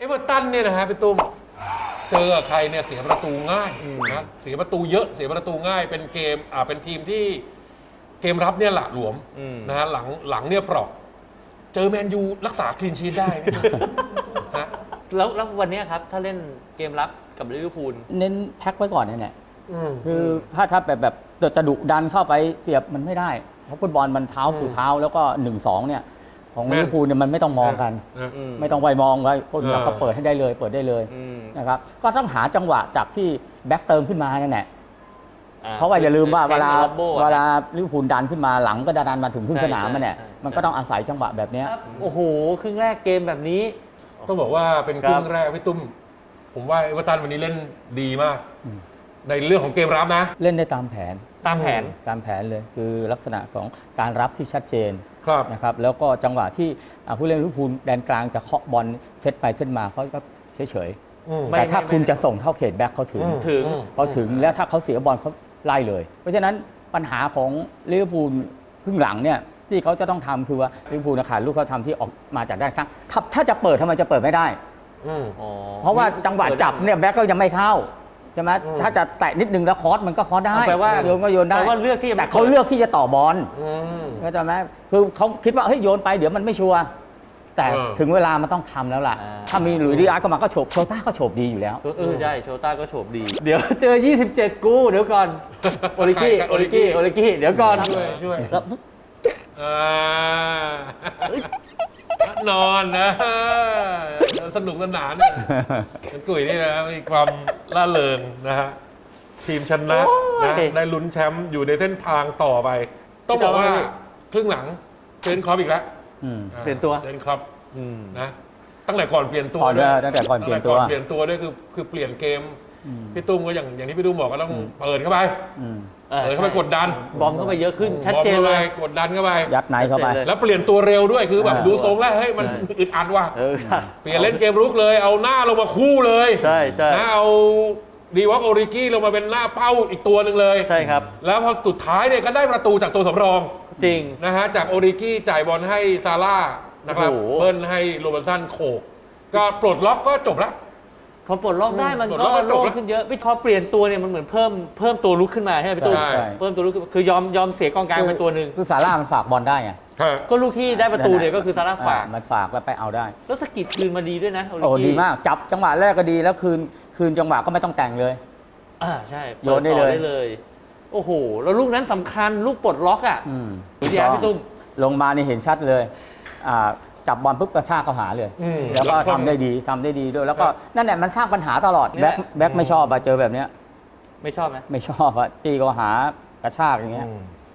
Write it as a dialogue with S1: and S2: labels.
S1: เวอร์ตันเนี่ยนะฮะพี่ตุ้มเจอใครเนี่ยเสียประตูง่ายนะเสียประตูเยอะเสียประตูง่ายเป็นเกมเป็นทีมที่เกมรับเนี่ยหละหลวมนะฮะหลังเนี่ยเปราะเจอแมนยูรักษาคลีนชีทได้ไหมฮะ
S2: แล้ววันนี้ครับถ้าเล่นเกมรับกับลิเวอร์พูล
S3: เน้นแพ็คไว้ก่อนเนี่ยคือถ้าแบบจะดุดันเข้าไปเสียบมันไม่ได้เพราะฟุตบอลมันเท้าสู่เท้าแล้วก็ 1-2 เนี่ยของลิเวอร์พูลเนี่ยมันไม่ต้องมองกันไม่ต้องไวมองไว้คนแบบเขาเปิดให้ได้เลยเปิดได้เลยนะครับก็ต้องหาจังหวะจากที่แบ็คเติมขึ้นมานั่นแหละเพราะว่าอย่าลืมว่าเวลาลิเวอร์พูลดันขึ้นมาหลังก็ดันมาถึงครึ่งสนามมันเนี่ยมันก็ต้องอาศัยจังหวะแบบนี้
S2: โอ้โหครึ่งแรกเกมแบบนี้
S1: ต้องบอกว่าเป็นครึ่งแรกพี่ตุ้มผมว่าเอเวอร์ตันวันนี้เล่นดีมากในเรื่องของเกมรับนะ
S3: เล่นได้ตามแผน
S2: ตามแผน
S3: เลยคือลักษณะของการรับที่ชัดเจนนะครับแล้วก็จังหวะที่ผู้เล่นลิเวอร์พูลแดนกลางจะเคาะบอลเซตไปเซตมาเขาก็เฉยๆแต่ถ้าคุณจะส่งเข้าเขตแบ็คเขาถึงแล้วถ้าเขาเสียบอลเขาไล่เลยเพราะฉะนั้นปัญหาของลิเวอร์พูลครึ่งหลังเนี่ยที่เขาจะต้องทำคือว่าลิเวอร์พูลขาดลูกเขาทำที่ออกมาจากด้านข้างถ้าจะเปิดทำไมจะเปิดไม่ได้เพราะว่าจังหวะจับเนี่ยแบ็คก็ยังไม่เข้าใช่ไหมถ้าจะแตะนิดนึงแล้วคอสมันก็คอสได้
S2: แปลว่า
S3: โยนก็โยนได้แต่เขาเลือกที่จะต่อบอลเข้าใจไหมคือเขาคิดว่าเฮ้ยโยนไปเดี๋ยวมันไม่ชัวร์แต่ถึงเวลามันต้องทำแล้วล่ะถ้ามีหลุยส์ดิอาร์ก็มาก็โฉบโชต้าก็โฉบดีอยู่แล้ว
S2: ใช่โชต้าก็โฉบดีเดี๋ยวเจอ27กูเดี๋ยวก่อนโอริกี้เดี๋ยวก่อน
S1: ช่วยนอนนะสนุกสนานกุ้ยนี่นะมีความล่าเริงนะฮะทีมชนะนะได้ลุ้นแชมป์อยู่ในเส้นทางต่อไปต้องบอกว่าครึ่งหลังเจนครอปอีกแล้ว
S2: เปลี่ยนตัว
S1: เจนครอปนะตั้งแต่ก่อนเปลี่ยนตัว
S3: ด้วยตั้งแต่ก่อนเปลี่ยน
S1: ตัวด้วยคือเปลี่ยนเกมพี่ตุ้มก็อย่างที่พี่ตุ้มบอกก็ต้องเปิดเข้าไปกดดัน
S2: บอมเข้าไปเยอะขึ้นชัดเจนเลย
S1: กดดันเข้าไป
S3: ยัดไหนเข้าไป
S1: แล้วเปลี่ยนตัวเร็วด้วยคือแบบดูทรงแล้วเฮ้ยมันอึดอัดว่ะเปลี่ยนเล่นเกมรุกเลยเอาหน้าลงมาคู่เลย
S2: ใช่
S1: นะเอาดีวอล์กโอริกี้ลงมาเป็นหน้าเป้าอีกตัวหนึ่งเลย
S2: ใช่ครับ
S1: แล้วพอสุดท้ายเนี่ยก็ได้ประตูจากตัวสำรอง
S2: จริง
S1: นะฮะจากโอริกี้จ่ายบอลให้ซาร่านะครับเบิ้ลให้โรเบร์ตสันโขกก็ปลดล็อกก็จบแล้ว
S2: พอปลดล็อกได้มันก็โล่งขึ้นเยอะไม่พอเปลี่ยนตัวเนี่ยมันเหมือนเพิ่มตัวลุกขึ้นมาใช่ไหมพี่ตุ้มเพิ่มตัวลุกคือยอมเสียกองกลางเป็นตัวหนึ่ง
S3: คือซาร่ามันฝากบอลได้ไง
S2: ก็ลูกที่ได้ประตูเนี่ยก็คือซาร่าฝาก
S3: มันฝากแล้วไปเอาได้
S2: แล้วสกิดคืนมาดีด้วยนะ
S3: โอ้ดีมากจับจังหวะแรกก็ดีแล้วคืนจังหวะก็ไม่ต้องแต่งเลย
S2: ใช่
S3: โยนได้
S2: เลยโอ้โหแล้วลูกนั้นสำคัญลูกปลดล็อกวิทยาพี่ตุ้ม
S3: ลงมานี่เห็นชัดเลยจับบอลปุ๊บกระชากเข้าหาเลยแล้วก็ทำได้ดีด้วยแล้วก็นั่นแหละมันสร้างปัญหาตลอดแบ็คไม่ชอบเจอแบบเนี้ย
S2: ไม่ชอบไหม
S3: ไม่ชอบตีก็หากระชากอย่างเงี้ย